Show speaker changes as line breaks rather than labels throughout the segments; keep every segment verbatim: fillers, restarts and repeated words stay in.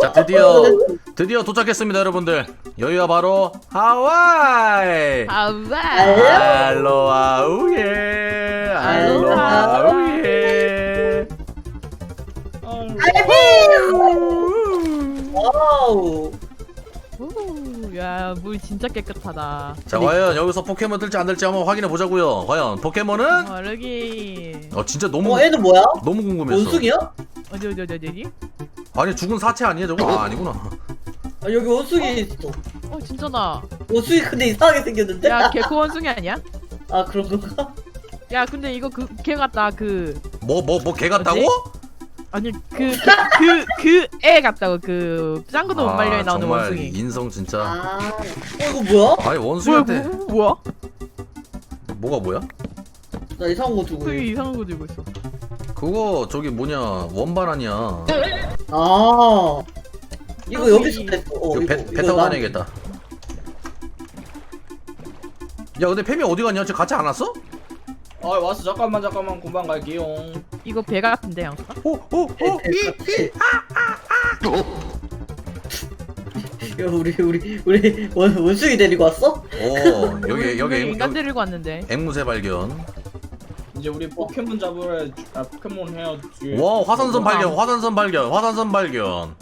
자, 드디어 드디어 도착했습니다, 여러분들. 여기가 바로 하와이.
하와이.
알로하우예. 알로하우예.
와우.
오, 야, 물 진짜 깨끗하다.
자, 과연 여기서 포켓몬 뜰지 안 뜰지 한번 확인해 보자고요. 과연 포켓몬은?
어르기.
어, 진짜 너무
어, 얘는 뭐야?
너무 궁금했어.
원숭이야?
어디 어디 어디 어디?
아니, 죽은 사체 아니야 저거? 아, 아니구나.
아, 여기 원숭이 있어.
어, 진짜나.
원숭이 근데 이상하게 생겼는데?
야, 개코 원숭이 아니야?
아, 그런 건가?
야, 근데 이거 그 걔 같다. 그
뭐 뭐 뭐 개 같다고?
아니 그 그 그 애 같다고. 그 짱구도 못
아,
말려에 나오는
정말
원숭이.
인성 진짜.
아, 어, 이거 뭐야?
아니,
뭐야,
원숭이한테
뭐, 뭐야?
뭐가 뭐야?
나 이상한 거 두고.
되게 이상한 거 들고 있어.
그거 저기 뭐냐, 원반 아니야.
아, 이거
아,
여기서
이-
뺐어. 어,
이거 배,
이거,
배
이거
타고
나-
다녀야겠다. 야, 근데 팸이 어디 갔냐? 쟤 같이 안 왔어?
아 왔어. 잠깐만 잠깐만 금방 갈게요.
이거 배 같은데 양수가?
오, 오, 오, 이, 이.
야, 우리 우리 우리 원, 원숭이 데리고 왔어?
오, 여기 여기 앵-
인간
여기
데리고 왔는데.
앵무새 발견.
이제 우리 포켓몬 잡으러 주- 아 포켓몬 해야 지.
와, 화산선 발견, 화산선 발견, 화산선 발견.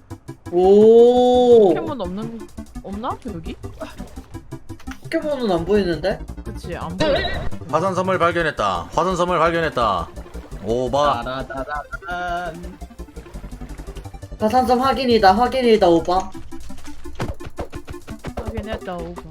오.
포켓몬 없는 없나 여기?
포켓몬은 안 보이는데?
그치 안 보여.
화산섬을 발견했다. 화산섬을 발견했다. 오바.
따라따라란.
가산점 확인이다. 확인이다, 오빠.
확인했다 오빠.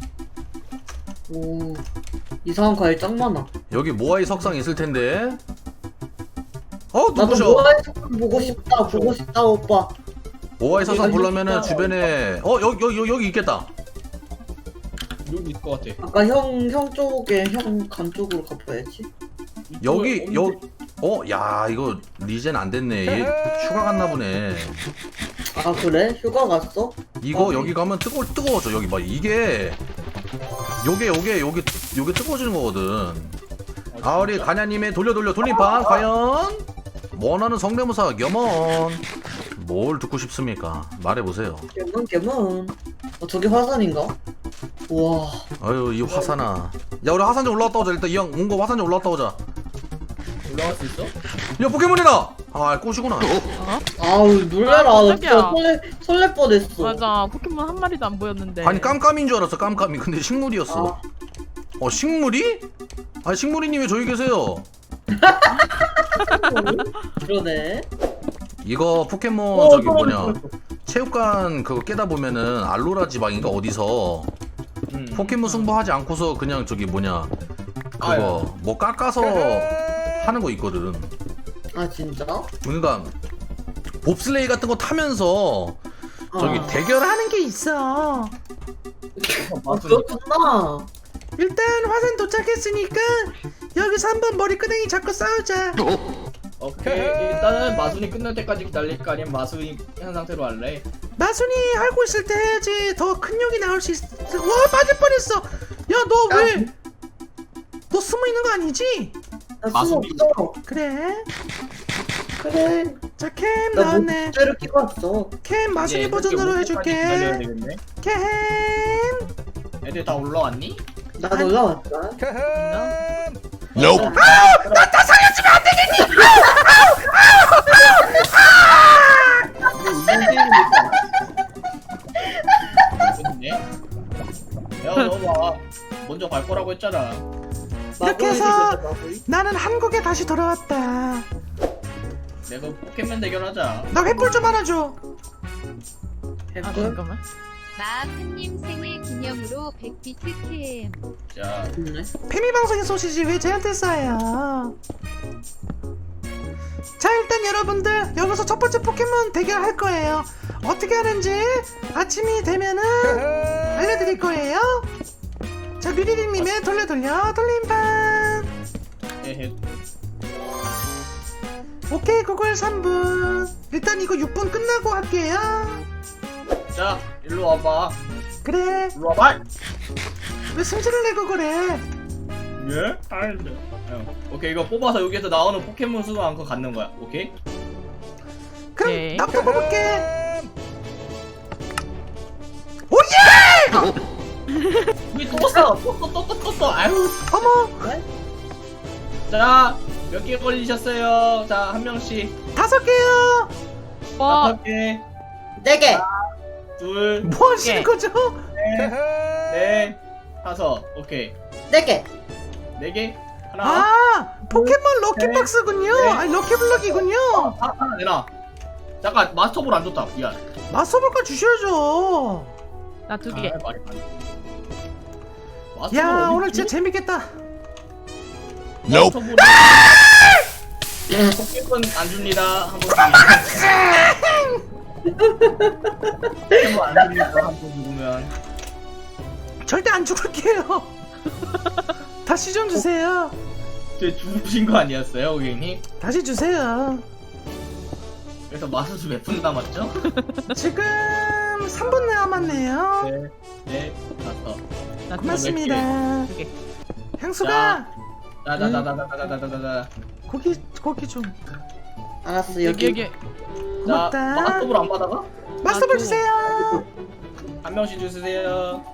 오. 이상한 과일 짱 많아.
여기 모아이 석상 있을 텐데. 어,
나도
누구셔?
모아이 석상 보고 싶다. 보고 싶다, 오빠.
모아이 석상
여기
보려면은
있다.
주변에 어, 여기 여기 여기 있겠다.
여기 있을 것 같아.
아까 형, 형 쪽에, 형 간 쪽으로 가봐야지.
여기
이쪽에
여
없는데?
어, 야, 이거 리젠 안 됐네. 얘 휴가 갔나 보네.
아, 그래? 휴가 갔어?
이거
어.
여기 가면 뜨거 뜨거워져. 여기 봐. 이게 요게 요게 요게 요게 뜨거워지는 거거든. 아, 우리 가냐님의 돌려 돌려 돌림판 과연 원하는 성대모사 겸원 뭘 듣고 싶습니까? 말해보세요.
개문, 개문. 어, 저게 화산인가? 우와.
아유, 이 화산아. 야, 우리 화산점 올라갔다 오자. 일단 이왕 온 거 화산점 올라갔다 오자.
올라갈 수 있어?
야, 포켓몬이다. 아, 꽃이구나.
아우, 놀래라.
아,
나
깜짝이야.
진짜 설레, 설렐 뻔했어.
맞아 포켓몬 한 마리도 안 보였는데.
아니, 깜깜인 줄 알았어. 깜깜이. 근데 식물이었어.
아,
어, 식물이? 아니, 식물이님 왜 저기 계세요?
그러네.
이거 포켓몬
어,
저기
사람이
뭐냐, 체육관 그거 깨다 보면은 알로라 지방인가 어디서
응.
포켓몬 승부하지 않고서 그냥 저기 뭐냐
아유.
그거 뭐 깎아서 하는 거 있거든.
아, 진짜?
그러니까 봅슬레이 같은 거 타면서 저기
아.
대결하는 게 있어.
아, 그렇구나.
일단 화산 도착했으니까 여기서 한번 머리끄댕이 잡고 싸우자.
오케이. 일단은 마순이 끝날 때까지 기다릴까 아니면 마순이 한 상태로 할래?
마순이 알고 있을 때 해야지 더 큰 욕이 나올 수 있어. 와, 빠질 뻔했어. 야, 너 왜? 너 숨어 있는 거 아니지?
나 숨어
마술이
없어.
그래.
그래.
자, 캠
나
나왔네.
목재를 끼고 왔어.
캠 마순이
이제
버전으로
이렇게 올 때까지 기다려야
해줄게.
되겠네.
캠.
애들 다 올라왔니?
나 올라왔다.
Nope. 야, 너 봐. 먼저 갈 거라고 했잖아.
이렇게 해서 나는 한국에 다시 돌아왔다.
내가 포켓몬 대결하자.
나 횃불 좀 하나 줘.
아
해볼?
잠깐만.
마아프님 생일 기념으로 백 비트 캠.
자,
좋네.
페미 방송의 소시지 왜 쟤한테 쏴요? 자, 일단 여러분들 여기서 첫 번째 포켓몬 대결 할 거예요. 어떻게 하는지 아침이 되면은 알려드릴 거예요. 자, 류리리님의 돌려 돌려 돌림판.
헤헤.
오케이, 구글 삼 분. 일단 이거 육 분 끝나고 할게요.
자, 일로 와봐.
그래.
일로 와봐.
왜 승질을 내고 그래?
예? 아닌데. 어. 오케이, 이거 뽑아서 여기에서 나오는 포켓몬 수만 안고 갖는 거야. 오케이?
그럼
오케이.
나부터 뽑을게.
우리 또 떴어 또또또또 또 아유
어머
자 몇 개 걸리셨어요 자 한 명씩
다섯 개요.
와
다섯 개
네 개.
둘
뭐 하시는
네.
거죠?
넷 다섯 오케이
네 개.
네 개 하나
아 포켓몬 럭키박스군요.
네.
아니 럭키블럭이군요.
하- 하나 내놔 잠깐 마스터볼 안 줬다 미안
마스터볼까 주셔야죠.
나 두
아,
개.
말이 많네.
야
마스터볼 어디
오늘
있지?
진짜 재밌겠다.
마스터볼은 포켓몬 안 줍니다 한 번씩 포켓몬 안 줍니다 한 번 죽으면
절대 안 죽을게요. 다시 좀 주세요.
제 죽으신 거 아니었어요 고객님?
다시 주세요.
그래서 마스터 몇 분 남았죠?
지금 삼 분 남았네요.
네, 네, 다섯.
나 두 개.
고맙습니다.
두 개.
향수가
자자자자자자자자자.
고기 고기 좀
알았어
여기
여기.
여기.
자,
고맙다.
마스터볼 안 받아가?
마스터볼
아, 또.
주세요.
한 명씩 주세요.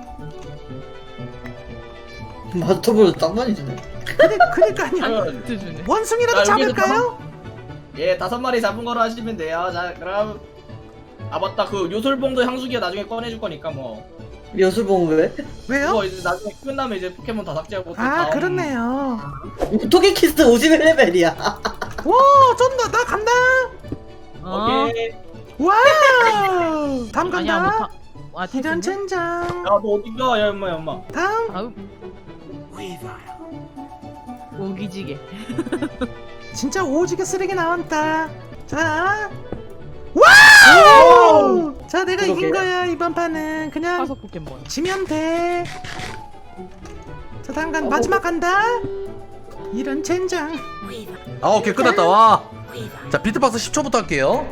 마스터볼 딱 많이 주네.
그니 그니까요.
그러면
두 주네.
원숭이라도
자, 여기서
잡을까요?
예, 다섯 마리 잡은 거로 하시면 돼요. 자, 그럼 아 맞다, 그 요술봉도 향수기가 나중에 꺼내줄 거니까 뭐.
여수봉 왜?
왜요?
그거 이제 나중에 끝나면 이제 포켓몬 다 삭제하고 또
아
다음.
그렇네요.
토끼키스 오십일 레벨이야.
와 쩐다 나 간다.
어.
오케이.
와우. 다음
아니야
간다.
못하. 와
이런
태준.
젠장.
야, 너 어딘가? 야, 엄마, 야, 엄마.
다음
다음. 오기지게.
진짜 오지게 쓰레기 나왔다. 자 와우. 자 내가 이긴
그러게.
거야 이번 판은 그냥
화석 포켓몬.
지면 돼. 자 다음 간 마지막 간다. 이런 젠장. 아 오케이 끝났다 와. 자 비트박스 십 초부터 할게요.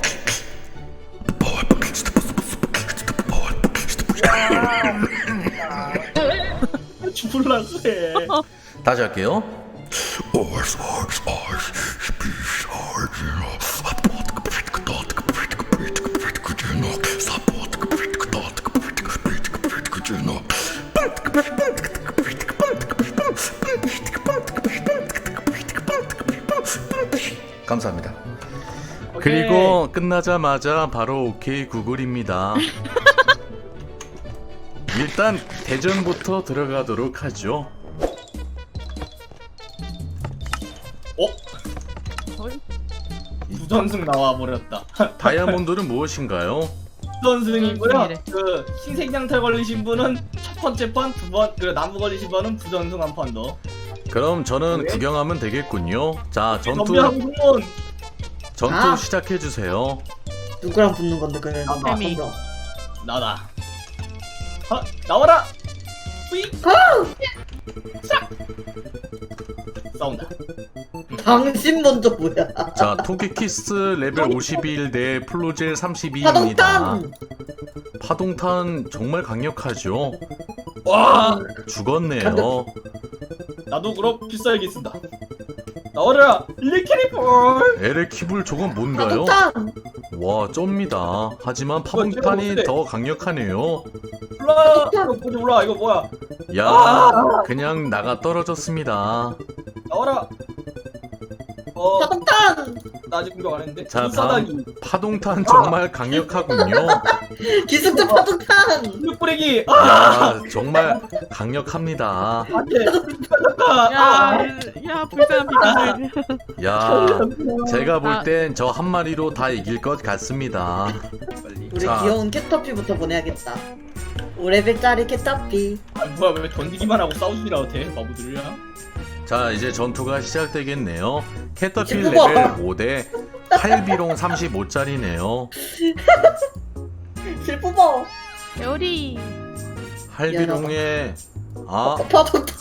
죽을라 그래.
다시 할게요. 감사합니다.
오케이.
그리고 끝나자마자 바로 오케이 구글입니다. 일단 대전부터 들어가도록 하죠.
어?
헐.
부전승 나와 버렸다.
다이아몬드는 무엇인가요?
부전승이고요.
부전승이래.
그 신생장탈 걸리신 분은 첫 번째 판, 두 번, 그 나무 걸리신 분은 부전승 한 판 더.
그럼 저는
네.
구경하면 되겠군요. 자 전투
전투
전투
아.
시작해 주세요.
누구랑 붙는 건데 그래?
아,
뱀이.
나다. 하, 나와라. 뿌잉. 싹. 싸운다.
당신 먼저 뭐야?
자 토끼키스 레벨 오십일 대 플로젤 삼십이입니다.
파동탄.
파동탄 정말 강력하죠.
와,
죽었네요.
나도 그럼 필살기 쓴다. 나와라. 일렉트리볼.
에레키블 저건 뭔가요?
파동탄.
와 쩝니다. 하지만
이거
파동탄이
어때?
더 강력하네요.
올라. 이거 뭐지 올라. 이거 뭐야?
야
아!
그냥 나가 떨어졌습니다.
나와라. 어,
파동탄.
나 아직 공격 안 했는데.
자
불사다기.
다음 파동탄 정말 강력하군요.
기습자 파동탄.
근육 뿌리기. 아,
야 정말 강력합니다.
안돼.
야, 야 불쌍한 피카들.
야 제가 볼
아.
땐 저 한 마리로 다 이길 것 같습니다.
우리
자.
귀여운 캣터피부터 보내야겠다. 오 레벨짜리 캐터피.
아 뭐야 왜 던지기만 하고 싸우지라 돼 바보들이야.
자 이제 전투가 시작되겠네요. 캐터필
우와.
레벨 오 대 팔비롱 삼십오짜리네요.
실뿌버.
요리.
할비롱의 아 왜
파동탄.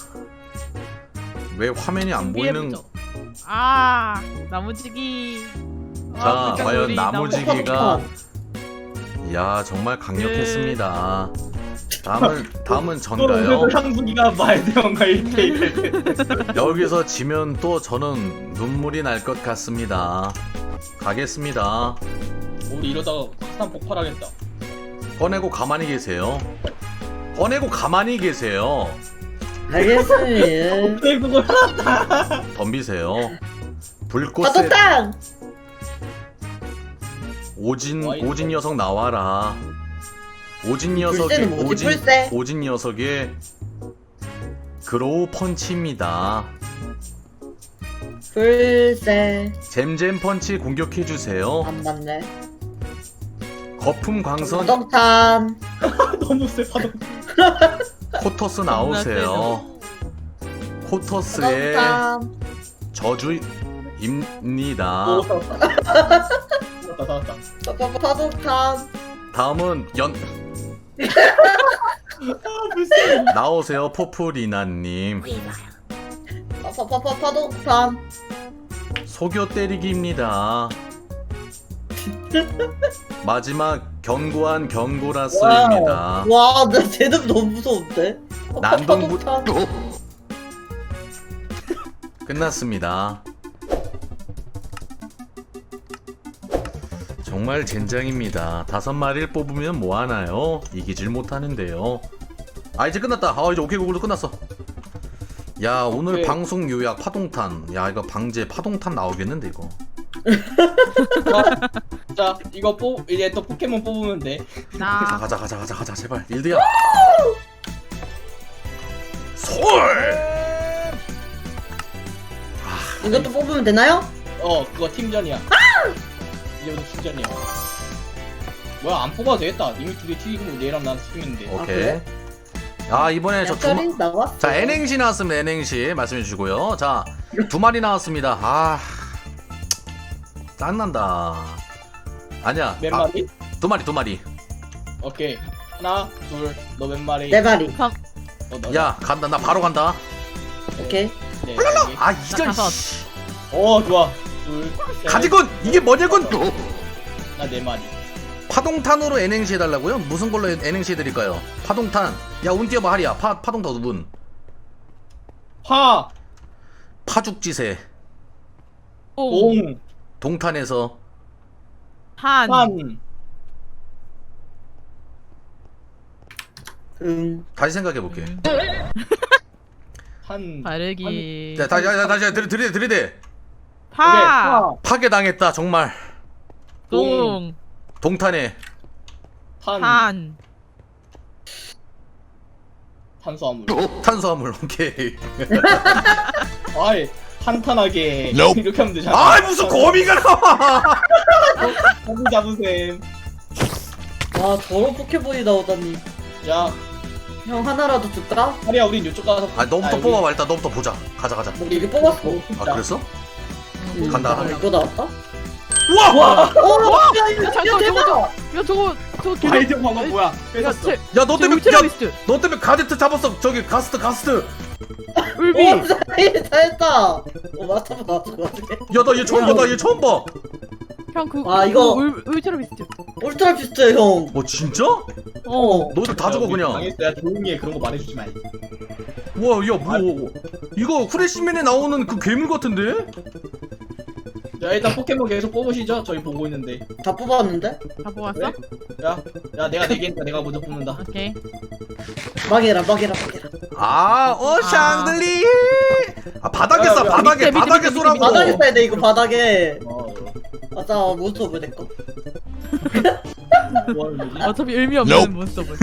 화면이 안 보이는
준비해보죠. 아 나무지기.
자
아, 불쌍한
과연
우리
나무지기가 야 정말 강력했습니다. 다음은 다음은 전가요.
향수기가 말대형과 일 대일.
여기서 지면 또 저는 눈물이 날 것 같습니다. 가겠습니다.
우리 이러다가 산 폭발하겠다.
꺼내고 가만히 계세요. 꺼내고 가만히 계세요.
알겠습니다.
네 그걸
덤비세요. 불꽃에
파도탕.
오진
와, 이거.
오진 녀석 나와라. 오진 녀석의
불새는 뭐지?
오진
불새?
오진 녀석의 그로우 펀치입니다.
불새.
잼잼 펀치 공격해 주세요.
안 맞네.
거품 광선
파도탕.
너무 세 파도.
코터스 나오세요. 코터스의
파도탕.
저주입니다.
오 살았다. 살았다 살았다.
파- 파- 파도탕.
다음은 연
아 불쌍해.
나오세요 포프리나님.
파- 파- 파- 파- 파도탕.
속여 때리기입니다. 마지막 견고한 경고라스입니다.
와, 나 쟤는 너무 무서운데. 파- 파-
난동부
파도탕.
끝났습니다. 정말 젠장입니다. 다섯 마리를 뽑으면 뭐 하나요? 이기질 못하는데요. 아 이제 끝났다. 아 이제 오케이 구글도 끝났어. 야 오늘
오케이.
방송 요약 파동탄. 야 이거 방제 파동탄 나오겠는데 이거.
자 이거 뽑 이제 또 포켓몬 뽑으면 돼.
자,
나
가자 가자 가자 가자 제발 일드야. 솔.
이것도 뽑으면 되나요?
어 그거 팀전이야. 이제부터 팀전이야. 뭐야 안 뽑아도 되겠다. 이미 둘이 튀기고 얘랑 나랑 튀기는데.
아,
오케이.
그래?
아 이번에 저 두 마...
약간이 나왔어.
자 N행시 나왔습니다. N행시 말씀해 주시고요. 자 두 마리 나왔습니다. 아 짠난다. 아니야.
몇
아,
마리?
두 마리 두 마리.
오케이. 하나 둘 너 몇 마리?
네 마리.
어, 너,
야 간다. 나 바로 간다.
오케이.
네,
아 이전
다섯.
씨.
어 좋아. 둘. 셋,
가지군 이게 뭐냐군.
나네 마리.
파동탄으로 N행시 해달라고요? 무슨 걸로 N행시 해드릴까요? 파동탄. 야 운 띄워봐 하리야. 파 파동탄 운.
화.
파죽지세.
옹,
옹.
동탄에서
한,
한.
응.
다시 생각해 볼게.
음,
한.
바르기,
자 다시 다시 다시 들이 들이 들이대.
파,
파괴당했다 정말.
동,
동탄에
한.
한,
탄수화물.
탄수화물. 오케이.
아이 탄탄하게 이렇게 하면 되잖아.
아 무슨 거미가 나와.
거미 잡으셈.
와, 저런 포켓몬이 나오다니.
자,
형 하나라도 줄까?
하리야 우린 이쪽 가서.
아 너부터
여기-
뽑아봐 일단. 너부터 보자. 가자 가자.
우리 이게 뽑았어.
아 그랬어?
응.
간다.
아, 이거 나왔다?
우와!
와.
어, 야, 이거
야,
진짜
잠깐,
대박!
야 저거 저거 개력-
아이디어 방법 뭐야?
야,
뺏었어.
제,
야 너
제
때문에
울트라
야,
비스트,
너 때문에 가제트 잡았어. 저기 가스트 가스트.
울비,
오, 잘했다, 잘했다. 어, 맞춰봐, 맞춰봐.
야 나 얘 처음 봐. 나 얘 처음 봐.
형 그,
아, 이거-
울, 울트라 비스트.
울트라 비슷해, 형.
어 진짜?
어.
너희들 다 죽어 그냥.
망했어. 야 조용히 해. 그런 거 말해주지 마.
와, 야, 뭐 이거 후레시맨에 나오는 그 괴물 같은데?
자 일단 포켓몬 계속 뽑으시죠. 저희 보고 있는데.
다 뽑았는데?
다 뽑았어?
그래? 야, 야 내가 네 개니까 내가 먼저 뽑는다.
오케이.
막해라, 막해라, 막해라.
아, 어 샹들리. 아 바닥에
야,
쏴.
야,
바닥에
밑에, 밑에,
바닥에
밑에,
쏘라고.
밑에.
바닥에 써야 돼, 이거 바닥에.
어,
맞아, 몬스터 왜 내꺼?
뭐 하는 거지?
어차피 의미 없는 몬스터분.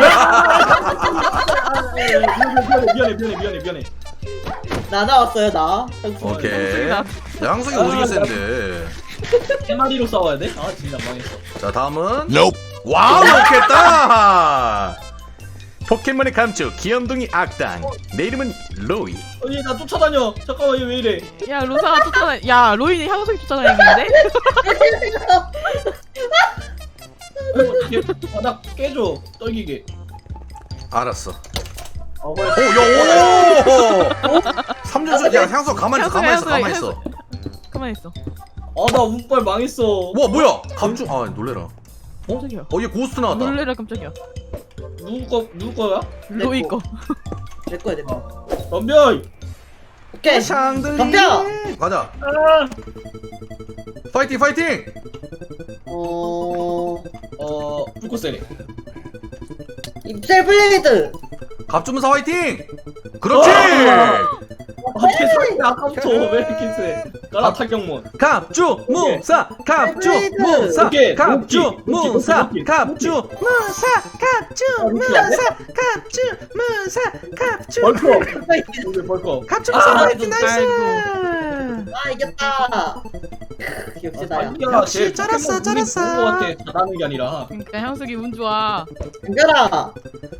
미안해, 미안해, 미안해, 미안해, 미안해.
나 나왔어요, 나.
오케이. 야, 향수기
아,
오지게
나-
센데.
한 마리로 싸워야 돼? 아 진짜 망했어.
자, 다음은 와우, 좋겠다. 포켓몬의 감축 귀염둥이 악당. 내 이름은 로이.
아니 나 쫓아다녀. 잠깐만 얘 왜 이래?
야 로사가 쫓아다. 야 로이는 향수기 쫓아다니는데?
아이고, 바닥 깨줘. 떨기게.
알았어.
어, 그래.
오, 야, 오. 삼준수, 야, 향수 가만히 있어, 가만히 있어,
향수야,
가만히 있어.
가만히 있어.
아나 운빨 망했어.
와, 뭐야? 감축. 아, 놀래라.
깜짝이야.
어, 얘 고스트 나왔다.
놀래라 깜짝이야.
누구 거 누구 거야?
로이 거.
내 거야, 내 거.
덤벼.
오케이.
샹들리.
덤벼!
가자.
아.
파이팅, 파이팅.
어,
어 불꽃세례.
셀블레이드.
갑주문사 화이팅! 그렇지!
아 개소리 아까부터 왜 이렇게 세? 까라 타격몬.
갑주문사 갑주문사
오케이.
갑주문사
오케이.
갑주문사 갑주문사 갑주문사 갑주
벌컥. 오케이 벌컥.
갑주문사
아,
화이팅 나이스!
아 이겼다. 크, 역시 나야.
자기가
역시
제
쩔었어,
포켓몬 운이
쩔었어.
좋은 거 같아. 잘하는 게 아니라.
그러니까 향수기 운 좋아.
이겨라.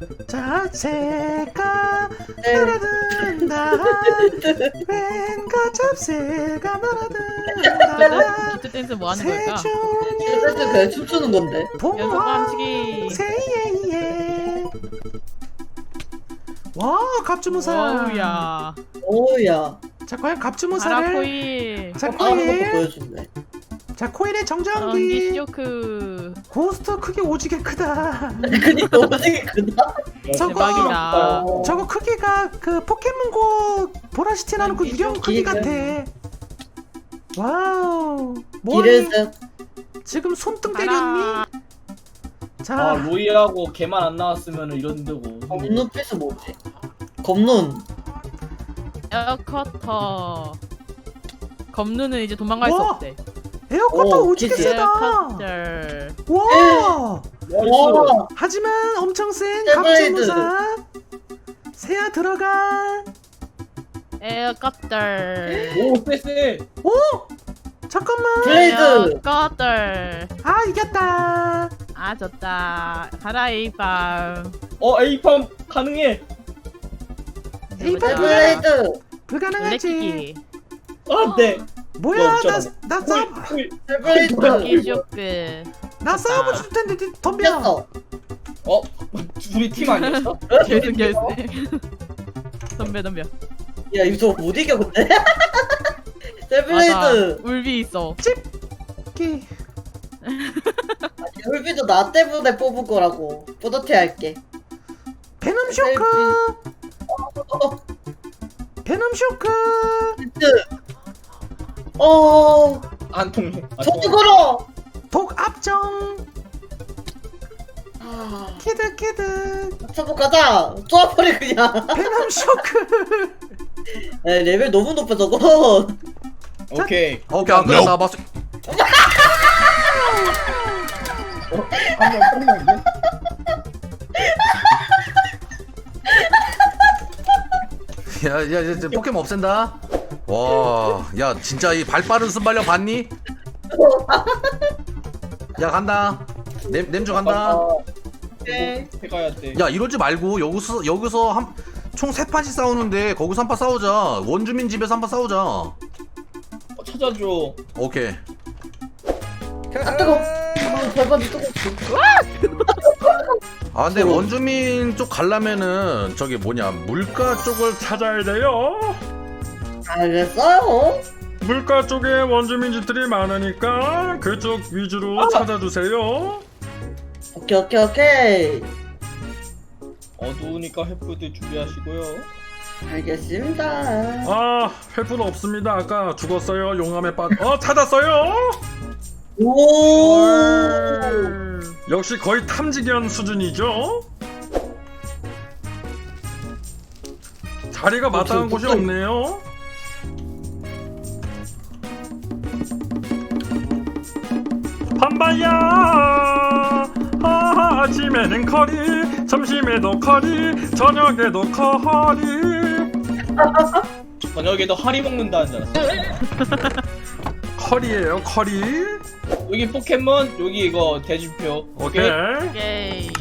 자체가
네.
날아든다 왠가 잡새가 날아든다
기트 댄스 뭐 하는 걸까?
그래서 그냥 춤추는 건데.
연속 깜찍이.
세예예 와 갑주무사
어우야.
오우야.
자 과연 갑주무사를
아라코일.
자
아, 한번
코일
보여준대.
자 코일의
전기
정전기
쇼크.
고스트 크기 오지게 크다
근데 너무 되게 크다.
저거
대박이다.
어.
저거 크기가 그 포켓몬고 보라시티라는 그 유령 크기 같아 와우 뭐니
이래서
지금 손등 때렸니?
가라.
아
자
로이하고 걔만 안 나왔으면 이런 데고.
검눈 필수 뭐지? 검눈.
에어커터. 검누는 이제 도망갈 수
와!
없대.
에어컨도
오,
오지게
기지.
세다
에어커터.
와
나이스.
와.
하지만 엄청 센
세브레이드.
갑주무사 새야 들어가
에어커터.
오 쎄쎄.
오 잠깐만
블레이드.
에어커터.
아 이겼다
아 좋다. 가라 에이팜.
어 에이팜 가능해.
에이팜
셀블레이드.
불가능하지
블랙키기.
안돼.
뭐야
없잖아.
나나 싸움
셀블레이드.
전기 쇼크.
나 싸움 줄 텐데 니 덤벼
이겼어.
어 우리 팀 아니었어?
결승 결승. 덤벼 덤벼.
야 이거 못 이겨 근데.
맞아.
셀블레이드.
울비 있어.
기
열비도 나 때문에 뽑은 거라고. 뿌듯해 할게.
베놈 쇼크
어,
베놈 쇼크
어.
안 통해. 안
저도
통해.
걸어.
독 압정
아,
키드 키드
쳐보 가자. 쏘아버려 그냥.
베놈 쇼크
야, 레벨 너무 높아 저거.
오케이.
오케이 안 그래 나 봤어
한번 끝나게.
야야 이제 포켓몬 없앤다 와야 진짜 이 발 빠른 순발력 봤니? 야 간다 냄, 냄주 간다
오케이.
해가야 돼.
야 이러지 말고 여기서 여기서 한 총 세 판씩 싸우는데 거기서 한 판 싸우자 원주민 집에서 한 판 싸우자
어, 찾아줘.
오케이
아 뜨거. 아 절반이 뜨거.
아 근데 원주민 쪽 가려면은 저기 뭐냐 물가 쪽을 찾아야 돼요
알겠어요.
물가 쪽에 원주민 집들이 많으니까 그쪽 위주로 찾아주세요.
오케이 오케이 오케이.
어두우니까 횃불들 준비하시고요.
알겠습니다.
아, 횃불 없습니다. 아까 죽었어요. 용암에 빠. 어, 찾았어요.
오.
역시 거의 탐지견 수준이죠. 자리가 마땅한 곳이 없네요. 반바야. 아, 아침에는 커리, 점심에도 커리, 저녁에도 커리.
저녁에도 하리 먹는다는 줄 알았어.
커리예요, 커리.
여기 포켓몬, 여기 이거 대지표.
오케이.
오케이.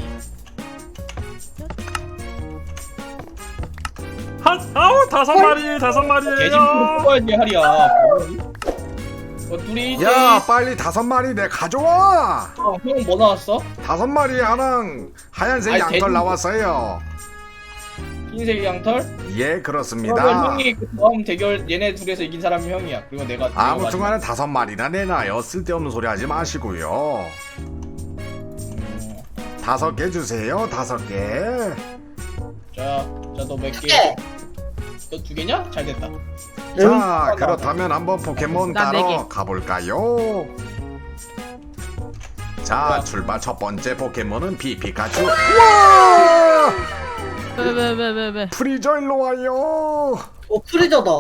한 아우 다섯 마리, 다섯
대지표
마리예요.
뽑아야지 하리야. 어, 둘이
야 빨리 다섯 마리 내 가져와.
어, 형뭐 나왔어?
다섯 마리 하랑 하얀색
아니,
양털
돼지-
나왔어요.
흰색 양털?
예
그러면
그렇습니다.
형이 그 다음 대결 얘네 둘에서 이긴 사람이 형이야. 그리고 내가 내가
아무튼간에
마지막.
다섯 마리나 내놔요. 쓸데없는 소리 하지 마시고요.
음,
다섯 개 주세요. 다섯 개.
자, 자 너 몇 개?
개.
너 두 개냐? 잘 됐다.
자 그렇다면 한번 포켓몬
나 네
따러
개.
가볼까요? 자 출발 첫 번째 포켓몬은 피피카츄. 우와!
왜왜왜왜
프리저 일로 와요.
어 프리저다.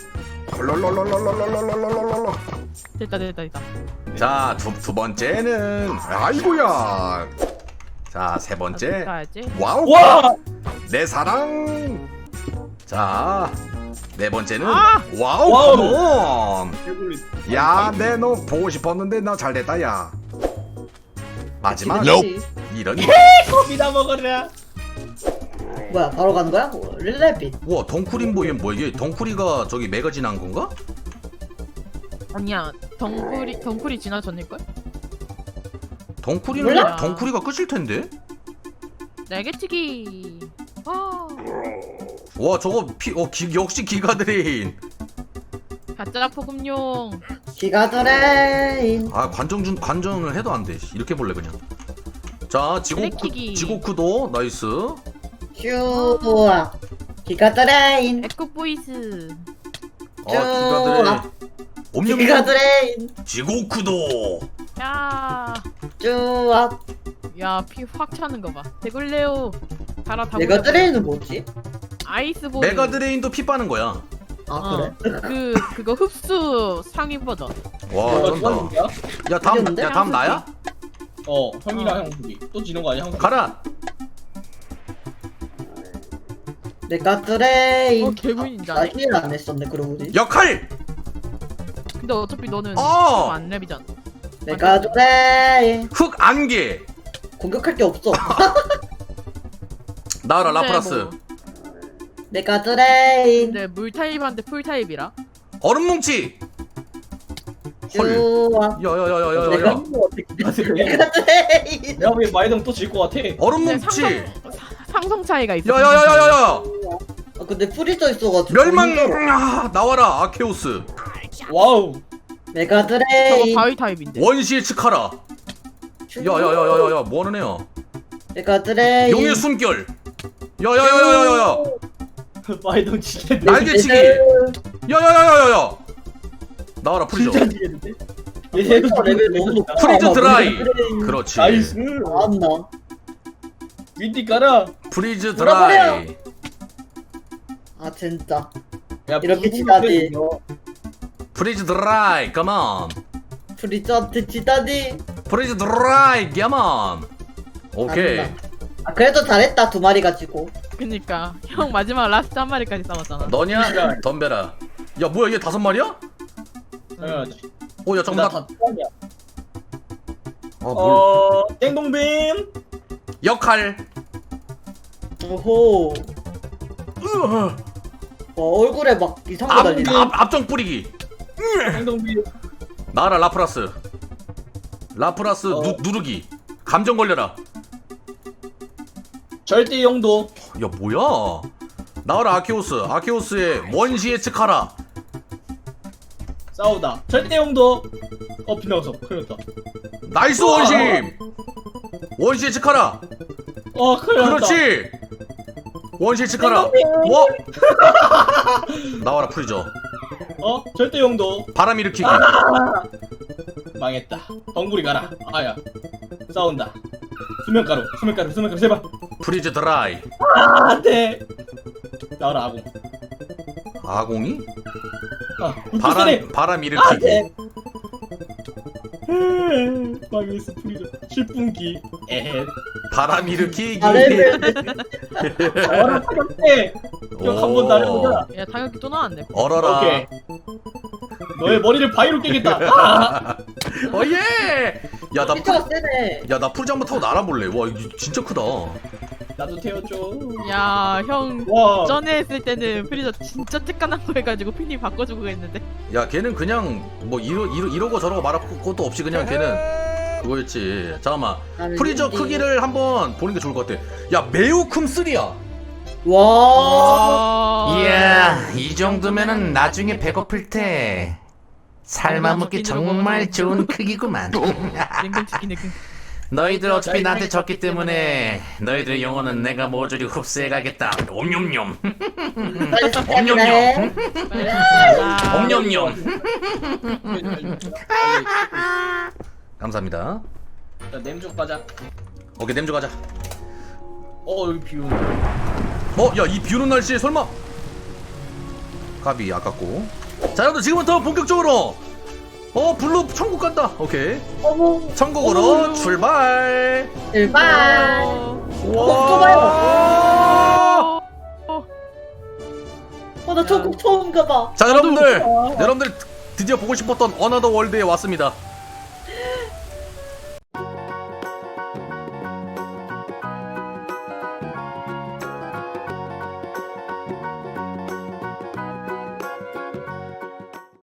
롤롤롤롤롤롤롤롤롤롤.
됐다 됐다 됐다.
자두 두 번째는 아이고야. 자 세 번째.
가야지.
와우.
와!
내 사랑. 자 네 번째는
아!
와우.
와우.
컴온.
개굴리.
야, 내 너 보고 싶었는데 나 잘됐다 야. 마지막
그치?
이런.
컵이나 먹어라.
뭐야 바로 가는 거야? 어, 릴레빗.
우와 덩쿠린 뭐 이게 뭐 이게 덩쿠리가 저기 매거진 한 건가?
아니야 덩굴이 덩굴이 지나쳤을걸?
덩쿠리는
몰라.
덩쿠리가 끝일 텐데.
날개치기. 아
와 저거 피, 어 기, 역시 기가드레인.
가짜 포금용.
기가 드레인.
아 관정 준 관정을 해도 안 돼. 이렇게 볼래 그냥. 자 지고쿠
블랙키기.
지고쿠도 나이스.
슈아. 기가 드레인.
에코 보이스.
아 기가드레인. 옴뇸뇸
기가 드레인.
지고쿠도.
야.
쭈아.
야 피 확 차는 거 봐. 대굴레오. 달아 다.
기가 드레인은 뭐지?
아이스볼.
메가드레인도 피 빠는 거야.
아
어,
그래?
그 그거 흡수 상위 버전.
와
어,
쩐다.
누가
야 다음
이겼는데?
야 다음 나야?
어, 형이랑
어.
형 둘이 또 지는 거 아니야? 형.
가라.
내가 드레인.
어 개구인자.
나 힐 안 했었네 그러고 보니.
역할.
근데 어차피 너는
어!
안 랩이잖아.
내가 드레인.
흑 안개.
공격할 게 없어.
나와라
근데
라프라스.
뭐,
내가 드레인.
근데 물 타입한테 풀 타입이라.
얼음 뭉치. 헐.
쭈아. 내가
야야야야야야.
아, 내가
내가 드레인.
내가 왜 마이동 또 질 것 같아?
얼음
근데
뭉치.
상성, 사- 상성 차이가 있어.
야야야야야야.
아 근데 프리저 있어가지고.
멸망.
힘들어.
아, 나와라 아케오스.
와우.
내가
저거
드레인.
바위 타입인데.
원시의 치카라. 야야야야야야 뭐하는 애야?
내가 드레인.
용의 숨결. 야야야야야야.
마이동 지겠네.
날개치기. 야야야야야야. 나와라 프리저.
진짜 지겠는데?
얘도 레벨 너무 높아.
프리즈
아마
드라이.
내가 드레인
그렇지.
나이스.
나왔나?
윈디 깔아.
프리즈
돌아버려.
드라이.
아 진짜.
야,
이렇게
무슨
지다니.
소리야?
프리즈 드라이. 컴온.
프리저한테 지다니.
프리즈 드라이. 컴온. 오케이.
아니다. 아 그래도 잘했다 두 마리 가지고.
그니까 형 마지막 라스트 한 마리까지 싸웠잖아.
너냐? 덤벼라. 야 뭐야 얘 다섯 마리야?
당연하지.
어야
나
정답.
다 뚜껑이야.
아 뭘?
어, 땡동빔.
역할.
오호. 와 얼굴에 막 이상한 거
앞,
달리네.
앞 앞정 뿌리기.
땡동빔.
나라 라프라스. 라프라스
어.
누, 누르기. 감정 걸려라.
절대 용도.
야 뭐야? 나와라 아케오스. 아케오스의 원시의 치카라.
싸우다. 절대 용도. 어, 빗나갔어. 큰일 났다.
나이스 원심. 원시의 치카라.
어, 큰일 났다.
그렇지. 원시의 치카라.
땡땡땡.
뭐? 나와라 프리저.
어, 절대 용도.
바람 일으키기.
망했다. 덩굴이 가라. 아야. 싸운다. 수면가루, 수면가루, 수면가루, 제발.
프리즈 드라이.
아, 안 돼. 나와라, 아공.
아공이?
아, 불소리.
바람 바람
안
일으키기.
돼. 망했어, 프리저. 십 분기. 에헤.
바람 일으키기.
아 레벨.
나와라, 사격대. 기억 한번 날려보자.
야 타격기 또 나왔네.
얼어라.
오케이. 너의 머리를 바위로 깨겠다. 아!
어예. 야나
피처가 세네.
야 나 풀장부 타고 날아볼래. 와 이거 진짜 크다.
나도 태워줘.
야형
와.
전에 했을 때는 프리저 진짜 쬐깐한 거 해가지고 핀이 바꿔주고 했는데.
야 걔는 그냥 뭐 이러, 이러, 이러고 저러고 말할 것도 없이 그냥 걔는 그거였지. 잠깐만
나는
프리저
윈디.
크기를 한번 보는 게 좋을 것 같아. 야 매우 큼 쓰리야.
와.
아,
이야, 이 정도면은 나중에 배고플 때 삶아먹기 정말 좋은 크기구만.
냉동치킨 냉동.
너희들 어차피 나한테 졌기 때문에 너희들의 영혼은 내가 모조리 흡수해가겠다. 옴뇸뇸.
빨리 시작해.
옴뇸뇸. 감사합니다.
자 냄쪽 가자.
오케이 냄주 가자.
어 여기 비 오네.
어, 야, 이 비오는 날씨에 설마? 가비 아깝고. 자, 여러분들 지금부터 본격적으로 어, 블루 천국 간다. 오케이.
어머.
천국으로
어머.
출발.
일반.
어,
또 봐요.
와!
어나 천국 처음 가봐.
자, 여러분들,
어.
여러분들 드디어 보고 싶었던 어나더 월드에 왔습니다.